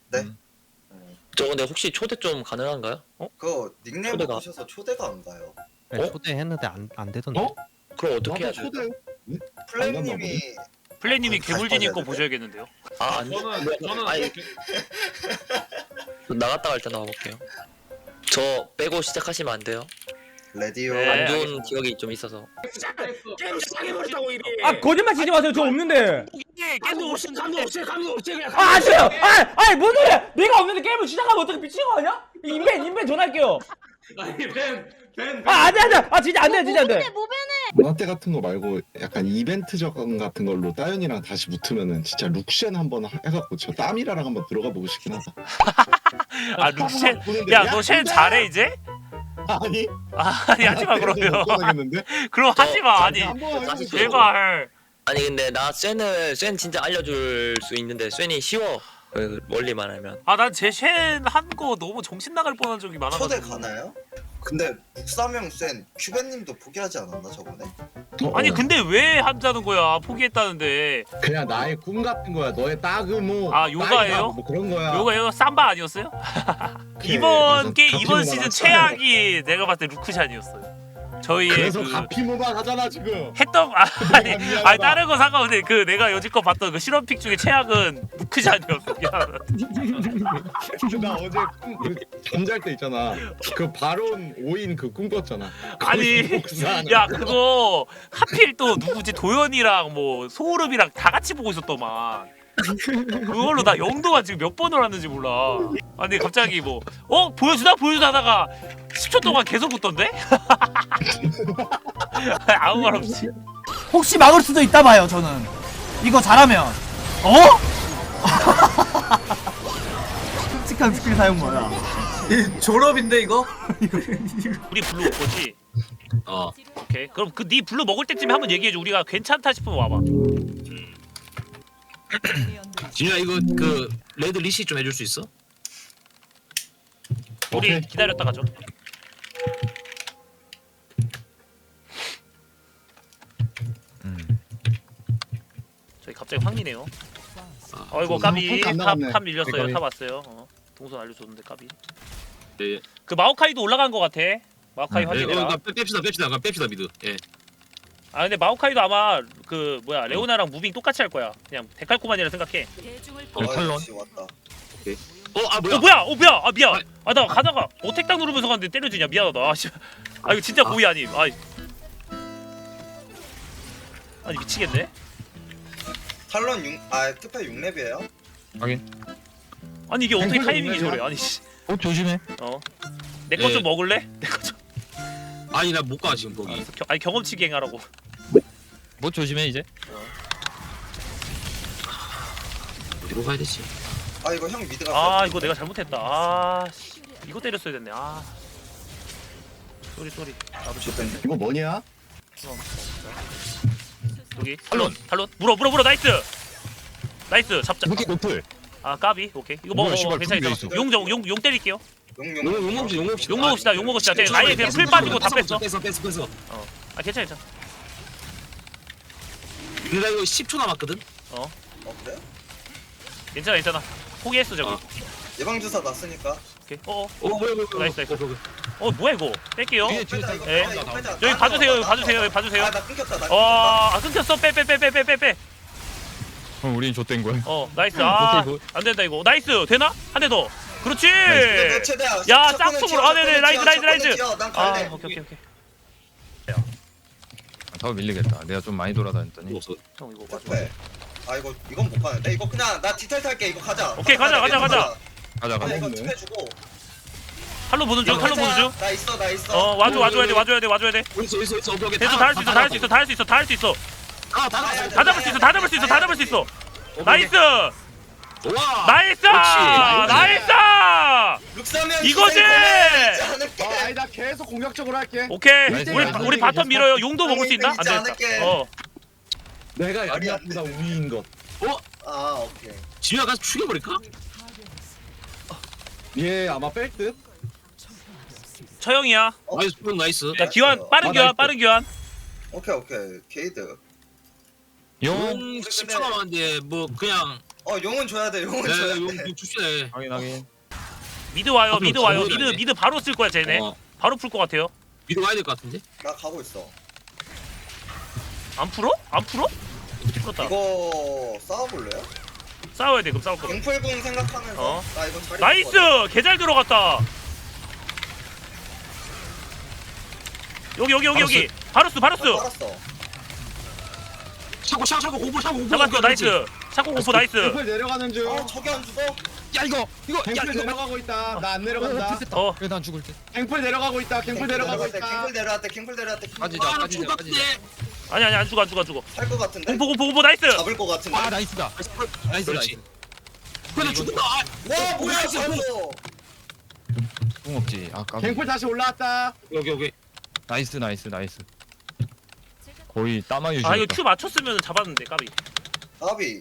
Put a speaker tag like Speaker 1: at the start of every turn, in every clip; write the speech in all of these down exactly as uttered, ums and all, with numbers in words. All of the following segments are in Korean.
Speaker 1: 네.
Speaker 2: 음.
Speaker 3: 저 근데 혹시 초대 좀 가능한가요? 어?
Speaker 1: 그거 닉네임
Speaker 3: 초대가.
Speaker 1: 바꾸셔서 초대가 안 가요.
Speaker 4: 네,
Speaker 3: 어?
Speaker 4: 초대했는데 안, 안 되던데.
Speaker 2: 어?
Speaker 3: 그럼 어떻게 해야
Speaker 2: 나도
Speaker 3: 돼요?
Speaker 2: 초대.
Speaker 1: 플레임님이
Speaker 5: 플레이님이
Speaker 1: 다시
Speaker 5: 개물진님 거
Speaker 1: 빠져야
Speaker 5: 보셔야겠는데요.
Speaker 3: 아 아니
Speaker 2: 저는
Speaker 3: 뭐야,
Speaker 2: 저는
Speaker 3: 아니 나갔다 갈 때 나와볼게요. 저 빼고 시작하시면 안 돼요.
Speaker 1: 레디오.
Speaker 5: 네.
Speaker 3: 안 좋은
Speaker 5: 알겠습니다.
Speaker 3: 기억이 좀 있어서.
Speaker 6: 게임 시작해버렸다고 이미.
Speaker 7: 아 거짓말 치지 마세요. 저 없는데.
Speaker 6: 감도 없이 감도 없이 감도 없이 그냥.
Speaker 7: 아 아세요? 아 아니 뭔 소리야? 내가 없는데 게임을 시작하면 어떻게 미친 거 아니야? 인벤 인벤 전화할게요.
Speaker 6: 아니 벤벤
Speaker 7: 아 안돼 안돼. 아 진짜 안돼 진짜 안돼.
Speaker 2: 문화때 같은 거 말고 약간 이벤트적 같은 걸로 따윤이랑 다시 붙으면은 진짜 룩셴 한번 하- 해갖고 저 땀이라랑 한번 들어가 보고 싶긴 하다.
Speaker 5: 아 룩셴 야너 셴 잘해 이제?
Speaker 2: 아니
Speaker 5: 아니 하지마 그러면.
Speaker 2: 못 가겠는데?
Speaker 5: 그럼 하지마 아니
Speaker 2: 한번
Speaker 3: 다시
Speaker 2: 해보고
Speaker 5: 제발.
Speaker 3: 아니 근데 나 쇤을 쇤 진짜 알려줄 수 있는데 쇤이 쉬워. 그 원리만 하면.
Speaker 5: 아 난 제 셴 한 거 너무 정신 나갈 뻔한 적이 많아가지고.
Speaker 1: 초대 가나요? 근데 육삼형 센 큐벤님도 포기하지 않았나 저번에?
Speaker 2: 어,
Speaker 5: 아니
Speaker 2: 어.
Speaker 5: 근데 왜 하자는 거야? 포기했다는데.
Speaker 2: 그냥 나의 꿈 같은 거야. 너의 따그모.
Speaker 5: 아, 요가예요?
Speaker 2: 따이다, 뭐 그런 거야.
Speaker 5: 요거 이거 삼바 아니었어요?
Speaker 2: 그래,
Speaker 5: 이번
Speaker 2: 그래서
Speaker 5: 게 이번
Speaker 2: 가피모만
Speaker 5: 시즌
Speaker 2: 하잖아.
Speaker 5: 최악이 내가 봤을 때 루크샨이었어요. 저희의
Speaker 2: 그래서
Speaker 5: 그
Speaker 2: 가피모만 하잖아 지금.
Speaker 5: 했던 아, 아니
Speaker 2: 미안하다.
Speaker 5: 아니 다른 거 상관없는데 그 내가 여지껏 봤던 그 실험픽 중에 최악은 루크샨이었어. 미안하다.
Speaker 2: 나 어제 꿈, 그 잠잘 때 있잖아. 그 바론 오인 그 꿈 꿨잖아.
Speaker 5: 아니
Speaker 2: 거기서 복사하는
Speaker 5: 야
Speaker 2: 거.
Speaker 5: 그거 하필 또 누구지 도현이랑 뭐 소울음이랑 다 같이 보고 있었더만. 그걸로 나 영도가 지금 몇 번을 왔는지 몰라. 아니 갑자기 뭐 어 보여주나 보여주나 하다가 십 초 동안 계속 웃던데? 아무 말 없이.
Speaker 7: 혹시 막을 수도 있다 봐요. 저는 이거 잘하면. 어? 끔찍한 스킬 사용 뭐야?
Speaker 6: 졸업인데 이거?
Speaker 5: 우리 블루 올 거지?
Speaker 6: 어.
Speaker 5: 오케이. 그럼 그 네 블루 먹을 때쯤에 한번 얘기해줘. 우리가 괜찮다 싶으면 와봐.
Speaker 6: 진우야 이거 그 레드 리시 좀 해줄 수 있어?
Speaker 5: 우리
Speaker 2: 오케이.
Speaker 5: 기다렸다 가죠. 저희 갑자기 황리네요.
Speaker 6: 아,
Speaker 5: 어이구
Speaker 2: 그
Speaker 5: 까비
Speaker 2: 탑
Speaker 5: 탑,
Speaker 2: 나갔네.
Speaker 5: 탑 밀렸어요.
Speaker 2: 까비.
Speaker 5: 탑 왔어요. 어. 동선 알려줬는데 까비.
Speaker 6: 네.
Speaker 5: 그 마오카이도 올라간 거 같아. 마오카이
Speaker 6: 네,
Speaker 5: 확인해라.
Speaker 6: 어, 빼- 뺍시다 뺍시다 그럼 뺍시다 미드. 예.
Speaker 5: 아 근데 마오카이도 아마 그 뭐야 레오나랑 무빙 똑같이 할 거야. 그냥 데칼코만이라 생각해.
Speaker 1: 어,
Speaker 2: 탈론.
Speaker 1: 역시 왔다.
Speaker 6: 어아 뭐야?
Speaker 5: 어 뭐야? 어 뭐야? 아 미안. 아 나 가다가 어택당 누르면서 갔는데 때려주냐 미안하다. 아, 씨. 아 이거 진짜 고의 아님. 아 아니 미치겠네.
Speaker 1: 탈론 육, 아 특파 육 렙이에요?
Speaker 5: 아니 이게 어떻게
Speaker 2: 탱크가
Speaker 5: 타이밍이
Speaker 2: 있네,
Speaker 5: 저래? 아니 씨.
Speaker 4: 어 조심해.
Speaker 5: 어. 내 거 좀
Speaker 6: 네.
Speaker 5: 먹을래? 내 거 좀.
Speaker 6: 아니 나 못 가 지금 거기.
Speaker 5: 알았어. 겨, 아니 경험치기 행하라고.
Speaker 4: 뭐 조심해 이제.
Speaker 6: 어디로 가야 되지?
Speaker 1: 아 이거 형 미드 갔어.
Speaker 5: 아 이거 내가 잘못했다. 아 씨. 이거 때렸어야 됐네. 아. 쏘리 쏘리. 나도 실패했네.
Speaker 2: 이거 뭐냐?
Speaker 5: 여기 탈론 탈론 물어 물어 물어 나이스. 나이스 잡자.
Speaker 4: 무기 노플.
Speaker 5: 아 까비 오케이 이거 먹어
Speaker 4: 뭐야, 씨발,
Speaker 5: 괜찮아
Speaker 4: 그게
Speaker 5: 괜찮아.
Speaker 4: 있어.
Speaker 5: 용용 용, 용 때릴게요.
Speaker 1: 용용.
Speaker 6: 용 용먹읍시다 용먹읍시다.
Speaker 5: 욕 먹읍시다 욕 먹읍시다. 쟤 아예 그냥 풀 빠지고 다 뺐어.
Speaker 6: 뺐어 뺐어 뺐어.
Speaker 5: 아 괜찮아 괜찮아.
Speaker 6: 근데 나 이거 십 초 남았거든.
Speaker 1: 어 그래요?
Speaker 5: 괜찮아 괜찮아. 포기했어 저기.
Speaker 6: 어.
Speaker 1: 예방 주사 났으니까.
Speaker 5: 오케이. 어어
Speaker 6: 어 뭐야 뭐야 뭐야.
Speaker 5: 나이스, 나이스.
Speaker 6: 어, 뭐야, 뭐야.
Speaker 5: 어 뭐야 이거 뺄게요.
Speaker 4: 뒤에 뒤에
Speaker 1: 빼자 이거
Speaker 5: 예.
Speaker 1: 빼자 이거 빼자.
Speaker 5: 여기
Speaker 1: 나한테
Speaker 5: 봐주세요 여기
Speaker 1: 와봐,
Speaker 5: 봐주세요 여기
Speaker 1: 나한테
Speaker 5: 봐주세요.
Speaker 1: 와봐. 아 나 끊겼다 나 끊겼다.
Speaker 5: 어아 끊겼어 빼 빼 빼 빼 빼 빼 빼.
Speaker 4: 그럼 우린 좆된 거야.
Speaker 5: 어 나이스 아
Speaker 4: 오케이,
Speaker 5: 안된다 이거 나이스 되나? 한 대 더 그렇지
Speaker 1: 근데 너 최대야.
Speaker 5: 야
Speaker 1: 첫 번은
Speaker 5: 짝퉁으로
Speaker 1: 튀어,
Speaker 5: 아
Speaker 1: 첫
Speaker 5: 네네
Speaker 1: 번은
Speaker 5: 라이즈
Speaker 1: 튀어,
Speaker 5: 라이즈
Speaker 1: 첫 번은
Speaker 5: 라이즈
Speaker 1: 튀어. 난
Speaker 5: 아
Speaker 1: 갈래.
Speaker 5: 오케이 오케이 오케이
Speaker 4: 더 밀리겠다. 내가 좀 많이 돌아다녔더니.
Speaker 6: 없어.
Speaker 5: 형 이거 맞아
Speaker 1: 특패. 아 이거 이건 못 가는데 이거 그냥 나 디테일 탈게 이거 가자.
Speaker 5: 오케이, 가자, 가자, 가자.
Speaker 4: 가자
Speaker 1: 아
Speaker 4: 가자.
Speaker 1: 이거
Speaker 2: 가자.
Speaker 1: 특패 주고.
Speaker 5: 탈로 보는 중 탈로 보는 중어
Speaker 1: 나 있어 나 있어.
Speaker 5: 와줘 와줘야 돼 와줘야 돼 와줘야 돼
Speaker 6: 있어 있어 있어. 오케이 오케이.
Speaker 5: 됐어 다 할 수 있어 다 할 수 있어 다 할 수 있어 다 할 수 있어
Speaker 6: 아다
Speaker 1: 아,
Speaker 5: 다 잡을 수 있어 다 잡을 수 있어 다 잡을 수 있어 나이스
Speaker 6: 와.
Speaker 5: 나이스 나이스
Speaker 1: 룩사면
Speaker 5: 이거지!
Speaker 2: 아, 아니 나 계속 공격적으로 할게.
Speaker 5: 오케이
Speaker 4: 나이스,
Speaker 5: 우리
Speaker 4: 나이스.
Speaker 5: 우리 바텀 밀어요 용도 먹을 수 있나? 안
Speaker 1: 잊지
Speaker 5: 되겠다
Speaker 1: 않을게.
Speaker 5: 어
Speaker 2: 내가
Speaker 1: 말이 안
Speaker 2: 양보다 우위인 것.
Speaker 1: 아 오케이.
Speaker 6: 진우야 가서 죽여버릴까?
Speaker 2: 얘 아마 뺄 듯.
Speaker 5: 처형이야
Speaker 1: 어?
Speaker 6: 나이스 형 나이스.
Speaker 5: 야 기환 빠른
Speaker 2: 아,
Speaker 5: 교환
Speaker 2: 나이스.
Speaker 5: 빠른 교환
Speaker 1: 오케이 오케이 게이드.
Speaker 4: 용.
Speaker 6: 용 십 초 남았는데 뭐 그냥
Speaker 1: 어 용은 줘야 돼 용은
Speaker 6: 네,
Speaker 1: 줘야 돼.
Speaker 6: 용 주시네.
Speaker 4: 확인 확인.
Speaker 5: 미드 와요
Speaker 6: 앞으로
Speaker 5: 미드 와요
Speaker 6: 정리를
Speaker 5: 미드
Speaker 6: 안 해.
Speaker 5: 미드 바로 쓸 거야 쟤네.
Speaker 6: 어,
Speaker 5: 바로 풀 것 같아요.
Speaker 6: 미드 와야 될 것 같은데?
Speaker 1: 나 가고 있어.
Speaker 5: 안 풀어? 안 풀어? 풀었다.
Speaker 1: 이거 싸워볼래요?
Speaker 5: 싸워야 돼 그럼 싸울 거.
Speaker 1: 갱풀궁 생각하면서
Speaker 5: 어.
Speaker 1: 나 이거 자리
Speaker 5: 나이스 개 잘 들어갔다. 여기 여기 여기 여기 바루스 바루스
Speaker 1: 알았어.
Speaker 6: 차고 차고 차고 공포 차고 공포.
Speaker 5: 잡았어 나이스. 샤코 공포 나이스.
Speaker 2: 갱플 내려가는 중.
Speaker 1: 어 저기 안 죽어?
Speaker 4: 야 이거 이거 야
Speaker 2: 갱플
Speaker 4: 이거
Speaker 2: 내려가고 있다. 나 안 내려간다.
Speaker 5: 어
Speaker 4: 그래 난 죽을 때.
Speaker 2: 갱플 내려가고 있다. 갱플 내려가고
Speaker 1: 갱플
Speaker 2: 있다.
Speaker 1: 갱플 내려왔대 갱플 내려왔대.
Speaker 4: 빠지자.
Speaker 6: 아,
Speaker 4: 빠지자,
Speaker 6: 죽었대.
Speaker 5: 아니 아니 안 죽어 안 죽어 안 죽어.
Speaker 1: 살것 같은데?
Speaker 5: 공포 공포 공포 나이스.
Speaker 1: 잡을 것 같은데?
Speaker 4: 아 나이스다. 나이스
Speaker 6: 그렇지.
Speaker 4: 나이스.
Speaker 6: 그래 죽는다. 아,
Speaker 1: 와 뭐야 잡았어.
Speaker 4: 공 없지. 아 까비.
Speaker 2: 갱플 다시 올라왔다.
Speaker 6: 여기 여기.
Speaker 4: 나이스 나이스 나이스. 거의 따마 유지.
Speaker 5: 아 이거 Q 맞췄으면 잡았는데 까비.
Speaker 1: 나비.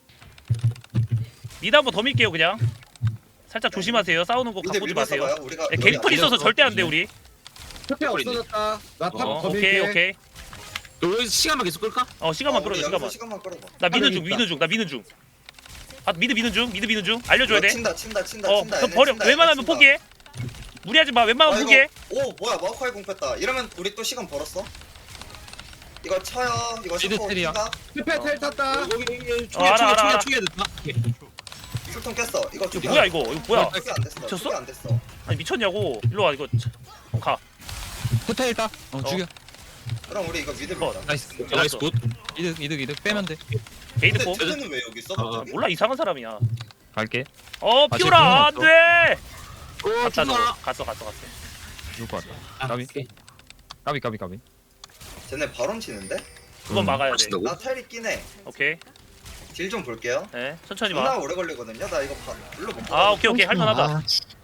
Speaker 5: 미드 한번 더 밀게요 그냥. 살짝 조심하세요. 싸우는 거
Speaker 1: 미드
Speaker 5: 갖고 오지
Speaker 1: 밀면서
Speaker 5: 마세요.
Speaker 1: 가요. 우리가
Speaker 5: 네, 갱플 있어서 절대 안 돼 우리.
Speaker 2: 특혜 없어졌다. 나탑
Speaker 5: 어,
Speaker 2: 더
Speaker 5: 오케이
Speaker 2: 밀게.
Speaker 5: 오케이.
Speaker 6: 여기 시간만 계속 끌까?
Speaker 5: 어 시간만
Speaker 1: 어,
Speaker 5: 끌어줘
Speaker 1: 우리
Speaker 5: 시간만.
Speaker 1: 여기서 시간만 끌어봐.
Speaker 5: 나 미는 중
Speaker 2: 있다.
Speaker 5: 미는 중 나 미는 중. 아 미드 미는 중 미드 미는 중 알려줘야 돼.
Speaker 1: 친다 친다 친다
Speaker 5: 어
Speaker 1: 친다.
Speaker 5: 그럼
Speaker 1: 얘네
Speaker 5: 버려.
Speaker 1: 친다,
Speaker 5: 웬만하면
Speaker 1: 얘네 친다.
Speaker 5: 포기해. 무리하지 마. 웬만하면
Speaker 1: 아,
Speaker 5: 포기해.
Speaker 1: 이거, 오 뭐야 마우카이 공 뺐다. 이러면 우리 또 시간 벌었어. 이거 쳐요. 이거
Speaker 4: 미드
Speaker 1: 셔코
Speaker 4: 텔이야.
Speaker 1: 친다.
Speaker 2: 특혜 텔 탔다.
Speaker 6: 여기 여기
Speaker 5: 어,
Speaker 6: 총알
Speaker 5: 알아,
Speaker 6: 총알
Speaker 5: 알아,
Speaker 6: 총알
Speaker 5: 알아.
Speaker 6: 총알 됐다. 오케이.
Speaker 1: 술통 깼어. 이거
Speaker 5: 이거
Speaker 1: 죽여.
Speaker 5: 뭐야 이거 이거 뭐야?
Speaker 1: 수비 안 됐어.
Speaker 5: 미쳤어?
Speaker 1: 수비 안 됐어.
Speaker 5: 아니 미쳤냐고. 일로 와 이거. 어, 가.
Speaker 4: 호텔 따. 어 죽여.
Speaker 1: 그럼 우리 이거 미드
Speaker 5: 어,
Speaker 1: 밀자.
Speaker 4: 나이스.
Speaker 6: 나이스 굿.
Speaker 4: 이득 이득 이득 빼면 돼.
Speaker 5: 게이드
Speaker 1: 근데
Speaker 5: 고.
Speaker 1: 쟤는 왜 여기 있어?
Speaker 6: 어,
Speaker 1: 갑자기?
Speaker 5: 몰라 이상한 사람이야.
Speaker 4: 갈게.
Speaker 5: 어
Speaker 4: 아,
Speaker 5: 피오라
Speaker 4: 쟤
Speaker 5: 안돼.
Speaker 6: 오
Speaker 5: 갔다 너.
Speaker 6: 죽나?
Speaker 5: 갔어 갔어 갔어.
Speaker 4: 죽을 것 같다.
Speaker 6: 아,
Speaker 4: 까비.
Speaker 6: 오케이.
Speaker 4: 까비 까비 까비.
Speaker 1: 쟤네 바론 치는데?
Speaker 5: 그건
Speaker 4: 음.
Speaker 5: 막아야 돼.
Speaker 6: 친다고?
Speaker 1: 나 텔이 끼네.
Speaker 5: 오케이.
Speaker 1: 딜 좀 볼게요.
Speaker 5: 네 천천히
Speaker 1: 존나
Speaker 5: 봐.
Speaker 1: 오래 걸리거든요. 나 이거 봐. 일로 못
Speaker 5: 아 오케이 오케이 할만하다.
Speaker 2: 아,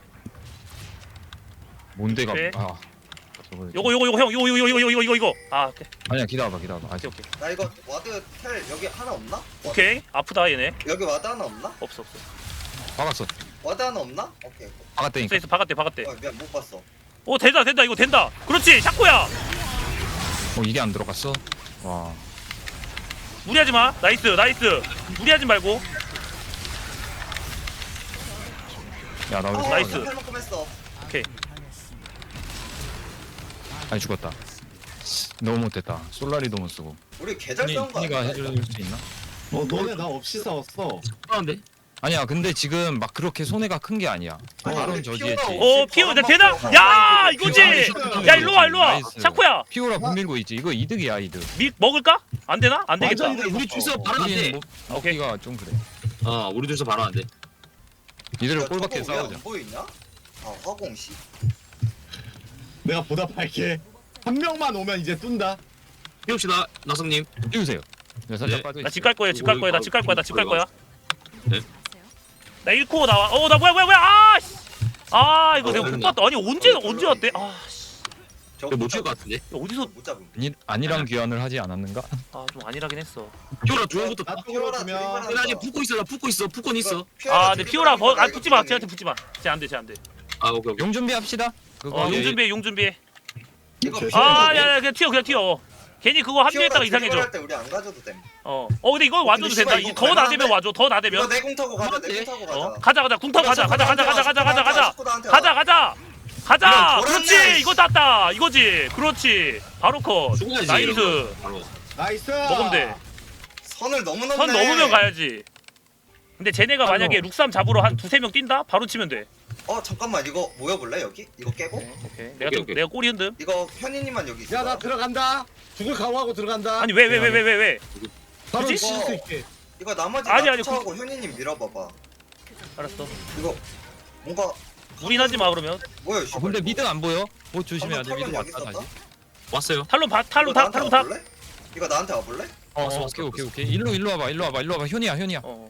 Speaker 4: 뭔데가.
Speaker 5: 오케이.
Speaker 4: 아. 저거-
Speaker 5: 요거 요거 요거 형 요거 요거 요거 요거 이거 이거. 아 오케이
Speaker 4: 아니야 기다려봐 기다려봐. 아직.
Speaker 5: 오케이 오케이.
Speaker 1: 나 이거 와드 텔 여기 하나 없나? 와드.
Speaker 5: 오케이 아프다 얘네.
Speaker 1: 여기 와드 하나 없나?
Speaker 5: 없어 없어.
Speaker 4: 박았어.
Speaker 1: 와드 하나 없나? 오케이.
Speaker 5: 있어
Speaker 4: 박았다니까.
Speaker 5: 있어 박았대 박았대.
Speaker 1: 어, 미안 못 봤어.
Speaker 5: 오 된다 된다 이거 된다. 그렇지 샤코야.
Speaker 4: 어 이게 안 들어갔어. 와.
Speaker 5: 무리하지 마. 나이스 나이스. 무리하지 말고.
Speaker 4: 야나 왜
Speaker 1: 어,
Speaker 5: 나이스.
Speaker 4: 나이스.
Speaker 1: 할 만큼 했어.
Speaker 5: 오케이.
Speaker 4: 아니 죽었다. 너무 못했다. 솔라리도 못 쓰고.
Speaker 1: 우리 개잘
Speaker 4: 흔히
Speaker 1: 싸운 거
Speaker 4: 흔히가
Speaker 1: 아니야?
Speaker 4: 해줄 수 있나?
Speaker 2: 어 너네 나 없이 싸웠어.
Speaker 6: 그런데
Speaker 4: 아니야 근데 지금 막 그렇게 손해가 큰 게 아니야.
Speaker 1: 아니,
Speaker 4: 바론
Speaker 1: 우리
Speaker 4: 저지했지.
Speaker 1: 피오라
Speaker 5: 오 피오 나 되나? 야 이거지. 야 일로 와 일로 와.
Speaker 4: 나이스.
Speaker 5: 샤코야.
Speaker 4: 피오라 분밀고 있지. 이거 이득이야 이득.
Speaker 5: 밀 먹을까? 안 되나? 안 되겠다.
Speaker 2: 완전 이득.
Speaker 6: 우리 둘이서 바로 안 돼.
Speaker 4: 우리는 뭐 먹기가 좀 그래.
Speaker 6: 어 우리 둘이서 바로 안 돼.
Speaker 4: 이대로
Speaker 1: 야,
Speaker 4: 꼴밖에
Speaker 1: 저거 왜안
Speaker 4: 싸우자.
Speaker 1: 보이냐? 아 화공시.
Speaker 2: 내가 보답할게. 한 명만 오면 이제 뜬다.
Speaker 6: 해봅시다 나성님.
Speaker 4: 띄우세요. 네, 살짝
Speaker 6: 네.
Speaker 4: 빠져
Speaker 5: 나
Speaker 4: 있어.
Speaker 5: 집 갈 거야 집 갈 거야 나 집 갈 거야 나 집 갈 거야.
Speaker 6: 네.
Speaker 5: 나 일 코 나와. 어 나 뭐야 뭐야 뭐야. 아 씨. 아 이거
Speaker 6: 어,
Speaker 5: 내가 못
Speaker 6: 그러나?
Speaker 5: 봤다. 아니 언제 언제 왔대? 아 씨.
Speaker 1: 저거
Speaker 6: 못 칠 것 같은데.
Speaker 5: 야, 어디서
Speaker 1: 못 잡음.
Speaker 4: 아니, 아니랑 귀환을 하지 않았는가?
Speaker 5: 아 좀 아니라긴 했어.
Speaker 6: 피오라 중앙부터.
Speaker 2: 나 쪽으로
Speaker 1: 피오라
Speaker 2: 주면.
Speaker 1: 드리블
Speaker 6: 나 아직 붙고 있어. 나 붙고 있어. 붙고 있어.
Speaker 5: 아 근데 피오라 버, 아 붙지 마. 쟤한테 붙지 마. 쟤 안 돼, 쟤 안 돼.
Speaker 6: 아 오케이 오케이.
Speaker 4: 용 준비합시다. 그거
Speaker 5: 어,
Speaker 6: 예,
Speaker 5: 용
Speaker 6: 예.
Speaker 5: 준비해, 용 준비해.
Speaker 1: 이거
Speaker 2: 제-
Speaker 5: 아, 야, 야, 그냥 튀어, 그냥 튀어. 괜히 그거 합류했다가 이상해져.
Speaker 1: 할때 우리 안 가져도 됨.
Speaker 5: 어, 어, 근데 이거 와줘도
Speaker 1: 근데
Speaker 5: 된다.
Speaker 1: 씨발,
Speaker 5: 이거
Speaker 1: 이거
Speaker 5: 더 나대면
Speaker 1: 갈만한데?
Speaker 5: 와줘, 더
Speaker 1: 이거
Speaker 5: 나대면.
Speaker 1: 내공 타고 가자. 내공 타고 가자.
Speaker 5: 어, 가자, 가자, 궁 타고 가자, 가자, 가자, 가자, 가자, 가자, 가자,
Speaker 1: 슈퍼나한테
Speaker 5: 가자, 가자, 가자.
Speaker 1: 이거 돌았네.
Speaker 5: 그렇지, 이거 땄다. 이거지, 그렇지. 바로 컷.
Speaker 6: 죽어야지.
Speaker 5: 나이스.
Speaker 6: 이러면 바로.
Speaker 2: 나이스.
Speaker 5: 먹으면 돼.
Speaker 1: 선을 너무 넘네.
Speaker 5: 선 넘으면 가야지. 근데 쟤네가 만약에 룩삼 잡으러 한 두세 명 뛴다? 바로 치면 돼.
Speaker 1: 어 잠깐만 이거 모여볼래 여기? 이거 깨고?
Speaker 5: 오케이. 내가
Speaker 6: 오케이,
Speaker 5: 좀,
Speaker 6: 오케이.
Speaker 5: 내가 꼬리 흔듦.
Speaker 1: 이거 현이님만 여기 있어.
Speaker 2: 야 나 들어간다. 죽을 각오하고 들어간다.
Speaker 5: 아니, 왜, 왜, 왜, 왜, 왜, 왜?
Speaker 2: 바로
Speaker 5: 굳이?
Speaker 2: 칠수 있게.
Speaker 1: 이거 나머지
Speaker 5: 아니,
Speaker 1: 나
Speaker 5: 아니,
Speaker 1: 쫓아오고 현이님 밀어봐봐.
Speaker 5: 알았어.
Speaker 1: 이거 뭔가
Speaker 5: 무리하지 마, 그러면.
Speaker 1: 뭐야?
Speaker 4: 아, 근데 미드 안 보여? 뭐 조심해야 돼. 미드
Speaker 1: 여기
Speaker 4: 왔다
Speaker 1: 있었다?
Speaker 4: 다시.
Speaker 6: 왔어요.
Speaker 5: 탈론 바,
Speaker 1: 이거
Speaker 5: 탈론 타,
Speaker 1: 나한테
Speaker 5: 탈론 타.
Speaker 1: 와볼래? 이거 나한테 와볼래?
Speaker 4: 어,
Speaker 6: 왔어,
Speaker 4: 어,
Speaker 6: 왔어,
Speaker 4: 오케이 오케이
Speaker 6: 왔어.
Speaker 4: 오케이. 일로 일로 와봐. 일로 와봐. 일로 와봐. 현이야 현이야.
Speaker 5: 어.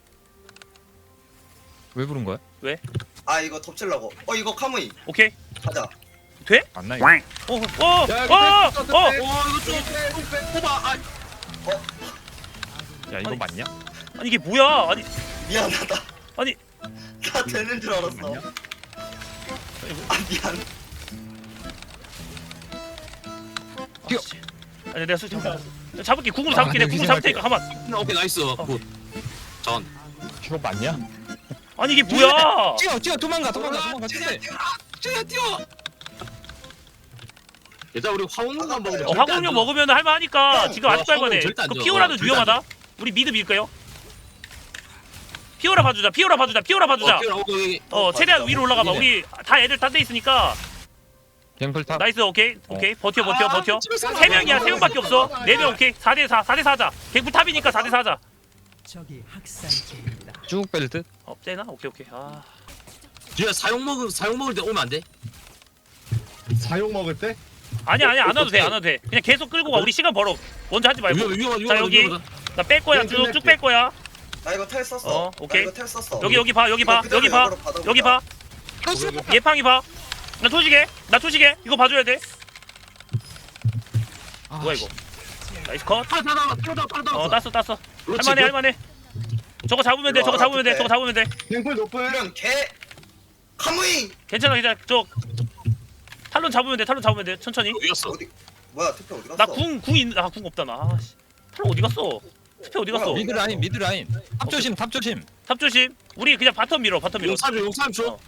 Speaker 4: 왜 부른 거야?
Speaker 1: 아 이거 덮치려고. 어 이거 카무이
Speaker 5: 오케이.
Speaker 1: 가자.
Speaker 4: 맞나 이거?
Speaker 5: 어, 어,
Speaker 2: 야,
Speaker 5: 어,
Speaker 2: 이거
Speaker 5: 어,
Speaker 2: 뺐어,
Speaker 5: 어.
Speaker 2: 뺐어.
Speaker 6: 와 이거 좀 뽑아. 아
Speaker 4: 야 이거
Speaker 5: 아니.
Speaker 4: 맞냐?
Speaker 5: 아니 이게 뭐야? 아니,
Speaker 1: 미안하다.
Speaker 5: 아니.
Speaker 1: 나 되는 줄 알았어.
Speaker 4: 맞냐?
Speaker 1: 아 미안.
Speaker 4: 뛰어.
Speaker 5: 아, 씨. 아니 내가 술좀 잡을게. 궁으로
Speaker 4: 아,
Speaker 5: 잡을게. 내가
Speaker 4: 근데
Speaker 5: 궁으로 잡을 테니까
Speaker 4: 희생할게.
Speaker 5: 가만.
Speaker 6: 오케이 나이스. 굿. 전.
Speaker 4: 이거 맞냐?
Speaker 5: 아니 이게 뭐야?
Speaker 4: 뛰어 뛰어 도망가 도망가 도망가
Speaker 6: 뛰어
Speaker 4: 뛰어.
Speaker 6: 뛰어 뛰어. 얘들아 우리 화원만 먹으면
Speaker 5: 어, 화공룡 먹으면 할만하니까
Speaker 6: 형,
Speaker 5: 지금 아직
Speaker 6: 와,
Speaker 5: 빨거네.
Speaker 6: 절대 안
Speaker 5: 그
Speaker 6: 줘.
Speaker 5: 피오라도
Speaker 6: 어, 절대
Speaker 5: 위험하다. 우리 미드 밀까요? 피오라 봐주자. 피오라 봐주자. 피오라 봐주자.
Speaker 6: 어, 뛰어, 어, 여기.
Speaker 5: 어 최대한 위로 올라가봐.
Speaker 6: 이네.
Speaker 5: 우리 다 애들 딴 데 있으니까.
Speaker 4: 갱플탑.
Speaker 5: 나이스 오케이 오케이 버텨 버텨
Speaker 6: 아,
Speaker 5: 버텨.
Speaker 6: 집에서
Speaker 5: 세 명이야 세 명밖에 없어.
Speaker 6: 아,
Speaker 5: 네 명 오케이 사 대 사 사 대 사 하자. 갱플 탑이니까 사 대 사 하자.
Speaker 4: 쭉 벨트.
Speaker 5: 어 쟤나 오케이 오케이. 아
Speaker 6: 뒤에 사용 먹을 사용 먹을 때 오면 안 돼?
Speaker 2: 사용 먹을 때?
Speaker 5: 아니야 아니야 안 와도 돼 안 와도 돼. 그냥 계속 끌고 가. 우리 시간 벌어. 먼저 하지 말고.
Speaker 6: 위험 위험 위험
Speaker 5: 자, 여기. 나 뺄 거야
Speaker 2: 네,
Speaker 5: 쭉 쭉 뺄 거야.
Speaker 1: 나 이거 텔 썼어.
Speaker 5: 어, 오케이.
Speaker 1: 나 이거 텔 썼어.
Speaker 5: 여기 여기 봐 여기 봐
Speaker 1: 이거 그대로
Speaker 5: 여기 봐
Speaker 1: 역으로 받아보자.
Speaker 5: 여기 봐. 예팡이 봐. 나 초시계 나 초시계 이거 봐줘야 돼. 뭐야 이거? 나이스 컷.
Speaker 6: 다 다 다 다 다
Speaker 5: 어 땄어 땄어.
Speaker 6: 그렇지,
Speaker 5: 할만해
Speaker 6: 그-
Speaker 5: 할만해. 저거 잡으면 돼
Speaker 1: 이리
Speaker 5: 저거
Speaker 1: 와라,
Speaker 5: 잡으면 돼
Speaker 1: 그때.
Speaker 5: 저거 잡으면 돼.
Speaker 2: 갱플 높을.
Speaker 1: 이런 개 카무이
Speaker 5: 괜찮아 괜찮아 저 탈론 잡으면 돼 탈론 잡으면 돼 천천히.
Speaker 6: 어디 갔어?
Speaker 1: 어디 뭐야 투표 어디 갔어?
Speaker 5: 나 궁 궁 있는 아궁 없다 나. 아, 씨. 탈론 어디 갔어? 스페 어디 갔어?
Speaker 1: 뭐야,
Speaker 4: 미드 라인 미드 라인. 탑 조심 탑 조심.
Speaker 5: 탑 조심. 우리 그냥 바텀 밀어 바텀 밀어.
Speaker 6: 용삼 줘 용삼 줘.
Speaker 5: 어.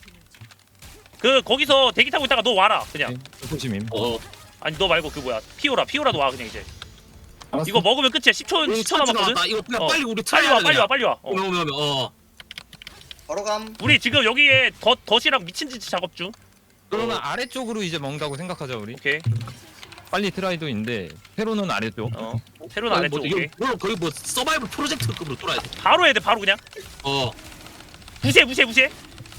Speaker 5: 그 거기서 대기 타고 있다가 너 와라 그냥.
Speaker 4: 조심임.
Speaker 6: 어.
Speaker 5: 아니 너 말고 그 뭐야 피오라 피오라도 와 그냥 이제.
Speaker 2: 알았어.
Speaker 5: 이거 먹으면 끝이야. 십 초 십 초 남았거든.
Speaker 6: 나 이거 그냥
Speaker 5: 어.
Speaker 6: 빨리 우리
Speaker 5: 빨리 와 빨리 와 빨리 와. 어.
Speaker 6: 오면 오면 오면 어.
Speaker 1: 바로 감.
Speaker 5: 우리 지금 여기에 덧 덧이랑 미친 짓 작업 중.
Speaker 4: 그러면 아래쪽으로 이제 먹는다고 생각하자 우리.
Speaker 5: 오케이.
Speaker 4: 빨리 트라이도 있는데 페로는 아래쪽.
Speaker 5: 어. 새로 안 했죠.
Speaker 6: 뭐,
Speaker 5: 오케이.
Speaker 6: 이거 거의 뭐 서바이벌 프로젝트급으로 뚫어야 돼.
Speaker 5: 바로 해야 돼 바로 그냥.
Speaker 6: 어.
Speaker 5: 무시해 무시해 무시해.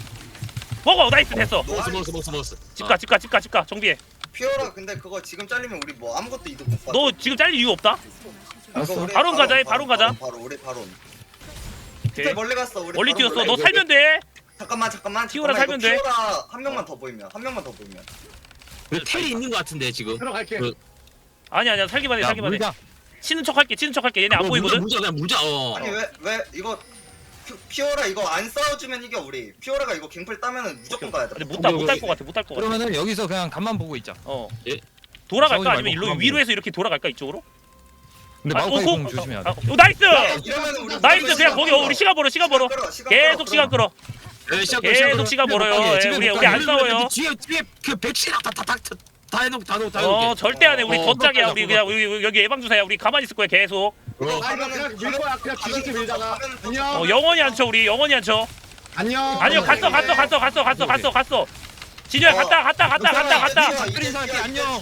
Speaker 5: 먹어 나이스 됐어.
Speaker 6: 먹었어 먹었어 먹었어 먹었어.
Speaker 5: 집가 집가 집가 집가 정비해.
Speaker 1: 피오라 근데 그거 지금 잘리면 우리 뭐 아무것도 이득 못 받아.
Speaker 5: 너 지금 잘릴 이유 없다.
Speaker 2: 알았어.
Speaker 1: 이거 우리
Speaker 5: 바론 가자, 해, 바론 가자.
Speaker 1: 바로 우리 바론.
Speaker 5: 오케이.
Speaker 1: 투표 멀리 갔어 우리.
Speaker 5: 멀리
Speaker 1: 바론
Speaker 5: 뛰었어.
Speaker 1: 몰래.
Speaker 5: 너
Speaker 1: 이거-
Speaker 5: 살면 돼.
Speaker 1: 잠깐만 잠깐만.
Speaker 5: 피오라
Speaker 1: 잠깐만,
Speaker 5: 살면
Speaker 1: 이거
Speaker 5: 돼.
Speaker 1: 피오라 한 명만 더 보이면 한 명만 더 보이면.
Speaker 6: 그 텔이 있는 거 같은데 지금.
Speaker 2: 들어갈게.
Speaker 6: 그-
Speaker 5: 아니야 아니야 살기만 해
Speaker 4: 야
Speaker 5: 살기만 해.
Speaker 4: 물자.
Speaker 5: 치는 척 할게 치는 척 할게. 얘네 안
Speaker 6: 어,
Speaker 5: 보이거든.
Speaker 6: 물자 그냥 물자. 어.
Speaker 1: 아니 왜 왜 이거 피- 피오라 이거 안 싸워주면 이겨 우리. 피오라가 이거 갱플 따면은 무조건 가야 돼.
Speaker 5: 근데 못딸못딸 것 같아 못 딸 것 같아.
Speaker 4: 그러면은 여기서 그냥 간만 보고 있자.
Speaker 5: 어.
Speaker 6: 예.
Speaker 5: 돌아갈까
Speaker 4: 싸우지
Speaker 5: 아니면
Speaker 4: 말고
Speaker 5: 일로
Speaker 4: 가만
Speaker 5: 위로 해서 이렇게 돌아갈까 이쪽으로?
Speaker 4: 근데
Speaker 5: 아,
Speaker 4: 마우카이
Speaker 5: 오,
Speaker 4: 공
Speaker 5: 오,
Speaker 4: 조심해야
Speaker 5: 아,
Speaker 4: 돼.
Speaker 5: 오, 나이스.
Speaker 1: 이러면 우리
Speaker 5: 나이스 그냥 거기 어, 우리 시간 벌어 시간 벌어.
Speaker 1: 끌어, 시간
Speaker 5: 계속
Speaker 1: 끌어,
Speaker 5: 시간 끌어.
Speaker 6: 예, 시작,
Speaker 5: 계속
Speaker 6: 시작.
Speaker 5: 시간 벌어요.
Speaker 4: 못 가게,
Speaker 5: 예,
Speaker 4: 집에
Speaker 5: 우리
Speaker 4: 못
Speaker 5: 우리 안
Speaker 4: 가게.
Speaker 5: 싸워요.
Speaker 6: 뒤에 뒤에 그 백신아 다다다다 해놓고 다 놓고 다
Speaker 5: 어
Speaker 6: 해놓게.
Speaker 5: 절대 안 해. 우리
Speaker 6: 어,
Speaker 5: 덧짝이야.
Speaker 6: 그거
Speaker 5: 우리
Speaker 6: 가자,
Speaker 5: 그냥 우리 여기 예방 주사야. 우리 가만히 있을 거야 계속.
Speaker 1: 이거
Speaker 2: 아, 이거
Speaker 1: 가면은
Speaker 2: 그냥 밀 거야. 그냥 뒤집게 밀다가. 안녕.
Speaker 5: 어 영원히 안 쳐. 우리 영원히 안 쳐.
Speaker 2: 안녕.
Speaker 5: 아니요 갔어 갔어 갔어 갔어 갔어 갔어 갔어. 진우야 갔다 갔다 갔다 갔다 갔다.
Speaker 2: 스크린 살게, 안녕.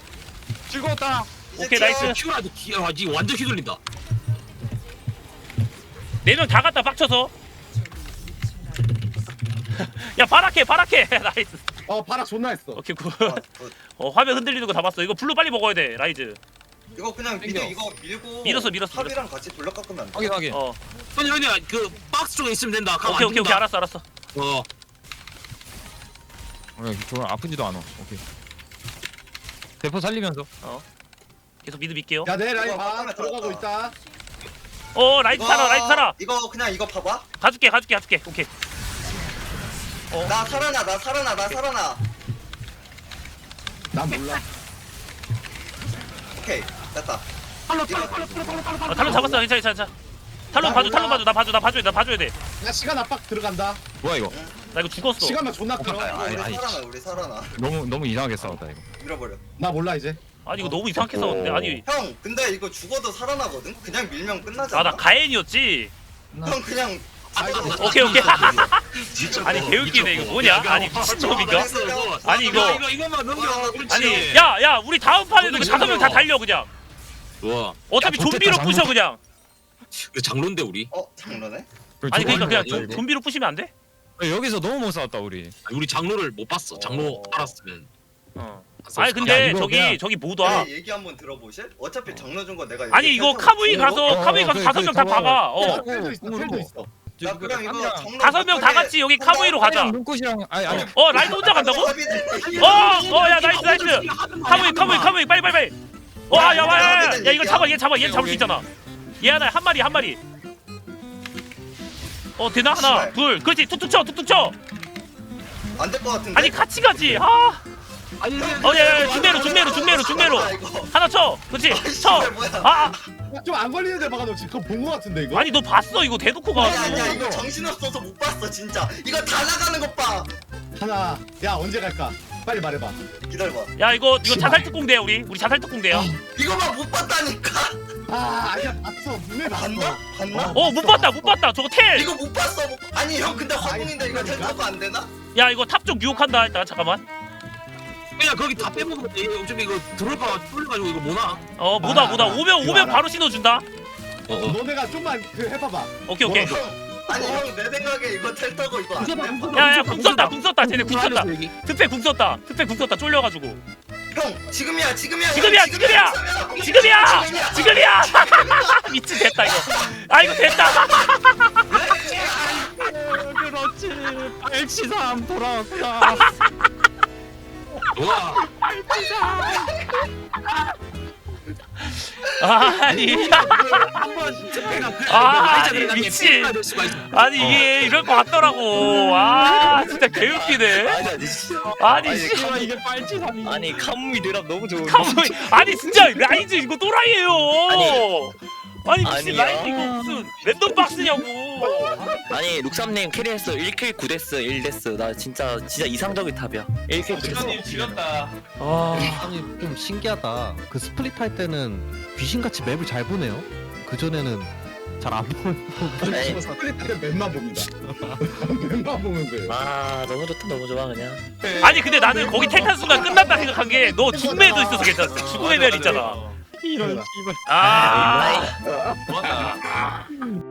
Speaker 2: 즐거웠다.
Speaker 5: 오케이, 나이스.
Speaker 6: 큐라도 기아하지 완전 휘둘린다.
Speaker 5: 네 명 다 갔다 빡쳐서. 야 바락해 바락해. 나이스.
Speaker 2: 어 바락 존나 했어.
Speaker 5: 오케이 굿. 어 화면 흔들리는 거 다 봤어. 이거 블루 빨리 먹어야 돼 라이즈.
Speaker 1: 이거 그냥 미드
Speaker 4: 땡겨.
Speaker 1: 이거 밀고
Speaker 5: 밀었어, 밀었어,
Speaker 1: 탑이랑 같이 돌려 깎으면 안 돼.
Speaker 4: 확인 확인.
Speaker 5: 어
Speaker 6: 현이 현이야 그 박스 쪽에 있으면 된다. 가면
Speaker 5: 오케이
Speaker 6: 안
Speaker 5: 오케이 오케이
Speaker 6: 된다.
Speaker 5: 알았어 알았어.
Speaker 6: 어.
Speaker 4: 어, 저건 아프지도 않아. 오케이. 대포 살리면서.
Speaker 5: 계속 미드 밀게요.
Speaker 2: 야 내 라인
Speaker 1: 이거
Speaker 2: 봐.
Speaker 1: 화면에
Speaker 2: 들어가고
Speaker 1: 들어갔다.
Speaker 2: 있다.
Speaker 5: 어 라이즈 살아 라이즈 살아.
Speaker 1: 이거 그냥 이거 봐봐.
Speaker 5: 가줄게 가줄게 가줄게. 오케이.
Speaker 1: 나 살아나 나 살아나 나 살아나.
Speaker 2: 난 몰라.
Speaker 1: 오케이 됐다.
Speaker 6: 빨리
Speaker 1: 이거
Speaker 6: 빨리 빨리 빨리 빨리 빨리.
Speaker 5: 어, 탈론 잡았어 괜찮아 괜찮아. 탈론
Speaker 2: 나
Speaker 5: 봐줘
Speaker 2: 몰라.
Speaker 5: 탈론 봐줘 나 봐줘 나 봐줘야 돼 나 봐줘야 돼.
Speaker 2: 야 시간 압박 들어간다.
Speaker 4: 뭐야 이거?
Speaker 5: 나 이거 죽었어.
Speaker 2: 시간만 존나 끌어.
Speaker 1: 이거
Speaker 4: 아니,
Speaker 1: 우리
Speaker 4: 아니.
Speaker 1: 살아나 우리 살아나.
Speaker 4: 너무 너무 이상하게 싸웠다 이거.
Speaker 1: 밀어버려.
Speaker 2: 나 몰라 이제.
Speaker 5: 아니 이거 너무 이상하게 싸웠는데 아니.
Speaker 1: 형 근데 이거 죽어도 살아나거든. 그냥 밀면 끝나잖아.
Speaker 5: 아 나 가엔이었지.
Speaker 1: 형 그냥.
Speaker 5: 오케이 오케이.
Speaker 6: 진짜
Speaker 5: 아니
Speaker 6: 뭐,
Speaker 5: 개웃기네 이거
Speaker 6: 미쳤어.
Speaker 5: 뭐냐?
Speaker 6: 이거
Speaker 5: 아니
Speaker 6: 뭐,
Speaker 5: 미친놈인가?
Speaker 6: 이거,
Speaker 5: 아니, 이거-
Speaker 6: 이거 이거만 넘겨. 그렇지.
Speaker 5: 아니 야야 우리 다음 판에도 그 다섯 명 다 달려 그냥.
Speaker 6: 와.
Speaker 5: 어차피
Speaker 4: 야,
Speaker 5: 좀비로
Speaker 4: 좋겠다,
Speaker 5: 부셔 그냥.
Speaker 6: 그 장로인데 우리.
Speaker 1: 어 장난해?
Speaker 5: 아니 그러니까 그냥
Speaker 4: 저거
Speaker 5: 좀, 좀비로 부시면 안 돼?
Speaker 4: 여기서 너무 못 싸웠다 우리.
Speaker 6: 아니, 우리 장로를 못 봤어. 장로
Speaker 5: 어.
Speaker 6: 알았으면.
Speaker 5: 어.
Speaker 6: 안
Speaker 5: 아니
Speaker 6: 썼을
Speaker 5: 근데
Speaker 4: 야, 이거
Speaker 5: 저기
Speaker 4: 그냥-
Speaker 5: 저기 못 와.
Speaker 1: 네, 얘기 한번 들어보실? 어차피 장로 준 거 내가.
Speaker 5: 아니
Speaker 1: 얘기
Speaker 5: 이거
Speaker 1: 펼쳐놓고
Speaker 5: 카무이
Speaker 1: 있는 거?
Speaker 5: 가서
Speaker 4: 어,
Speaker 5: 카무이
Speaker 4: 어,
Speaker 5: 가서
Speaker 4: 그,
Speaker 5: 다섯
Speaker 4: 그,
Speaker 5: 명 다
Speaker 4: 저거-
Speaker 5: 박아. 어.
Speaker 2: 텔도 있어. 텔도 있어.
Speaker 1: 나 그냥 이거 장로
Speaker 5: 다섯 명 다 같이 여기 카무이로 가자.
Speaker 4: 눈꽃이랑 아니 아니.
Speaker 5: 어 라이트 혼자 간다고? 어, 어, 야, 나이스, 나이스. 카무이 카무이 카무이 빨리 빨리 빨리. 와, 야, 와, 야, 야, 야, 이거 잡아, 얘 잡아, 얘 잡을 수 있잖아. 얘 하나, 한 마리, 한 마리. 어, 되나 하나, 둘, 그렇지, 툭툭 쳐, 툭툭 쳐.
Speaker 1: 안될 것 같은데.
Speaker 5: 아니 같이 가지. 아,
Speaker 6: 아니,
Speaker 5: 어, 야, 야, 중매로, 중매로, 중매로, 중매로. 하나 쳐, 그렇지, 쳐. 아, 아,
Speaker 2: 좀 안 걸리는 데 박아놓지. 그거 본 거 같은데 이거?
Speaker 5: 아니 너 봤어 이거 대놓고 가.
Speaker 1: 아니 아니야 이거 정신없어서 못 봤어 진짜. 이거 다 나가는 것 봐.
Speaker 2: 하나. 야 언제 갈까? 빨리 말해봐.
Speaker 1: 기다려봐.
Speaker 5: 야 이거 이거 자살 특공대야 우리 우리 자살 특공대야.
Speaker 1: 이거만 못 봤다니까.
Speaker 2: 아 아니야 봤어. 분명히 봤어.
Speaker 1: 봤나? 봤나?
Speaker 5: 어 못 봤다 못 봤다 저거 텔.
Speaker 1: 이거 못 봤어. 못... 아니 형 근데 화공인데 이거
Speaker 2: 아니,
Speaker 1: 텔타고 안 되나?
Speaker 5: 야 이거 탑 쪽 유혹한다 일단 잠깐만.
Speaker 6: 그냥 거기 다 빼먹으면 돼. 어차피 이거 들어올까 뚫려가지고 이거 뭐나?
Speaker 5: 어 뭐다
Speaker 2: 아,
Speaker 5: 뭐다
Speaker 2: 알아.
Speaker 5: 오면
Speaker 2: 이거
Speaker 5: 오면
Speaker 2: 알아.
Speaker 5: 바로 신호준다.
Speaker 2: 너네가 좀만 그 해봐봐.
Speaker 5: 오케이 오케이.
Speaker 2: 뭐라도.
Speaker 1: 아니 형 내 생각에 이거 텔타고 이거 안 돼.
Speaker 5: 야야 궁 썼다 궁 썼다 쟤네 궁 썼다.
Speaker 6: 여기.
Speaker 5: 특패 궁 썼다 특패 궁 썼다 쫄려가지고.
Speaker 1: 형 지금이야 지금이야.
Speaker 5: 지금이야,
Speaker 1: 형,
Speaker 5: 지금이야!
Speaker 1: 지금이야.
Speaker 5: 지금이야 지금이야. 미친 됐다 이거. 아 이거 됐다.
Speaker 4: 그렇지. 팔칠삼 돌아왔다.
Speaker 6: 와.
Speaker 5: 아니
Speaker 6: 한번 특패가 그래.
Speaker 5: 아, 아니, 미친.
Speaker 6: 될 수가 있어.
Speaker 5: 아니 이게 이럴 것 같더라고. 아 진짜 개웃기네.
Speaker 3: 아니 아니 씨.
Speaker 5: 아니 씨.
Speaker 4: 씨발 이게 팔칠삼이.
Speaker 3: 아니 카무이 드랍 너무 좋은
Speaker 5: 카모이 아니 진짜 라이즈 이거 또라이예요. 아니 미친
Speaker 3: 아니야.
Speaker 5: 라이즈 이거 무슨 랜덤 박스냐고.
Speaker 3: 아니 룩삼님 캐리했어 일 킬 구 데스 일 데스 나 진짜 진짜 이상적인 탑이야 일 킬 구 데스
Speaker 5: 지렸다. 아
Speaker 8: 아니 좀 신기하다. 그 스플릿 할 때는 귀신같이 맵을 잘 보네요. 그 전에는 잘 안 보는.
Speaker 3: 에이.
Speaker 2: 스플릿 때 맵만 봅니다. 맵만 보면 돼.
Speaker 3: 아 너무 좋다 너무 좋아 그냥
Speaker 5: 아니 근데 나는 거기 텔탄 순간 끝났다 생각한 게 너 죽음에도 있어서 괜찮았어. 죽음의 별 있잖아.
Speaker 4: 이런 씨발.
Speaker 5: 아.
Speaker 3: 아이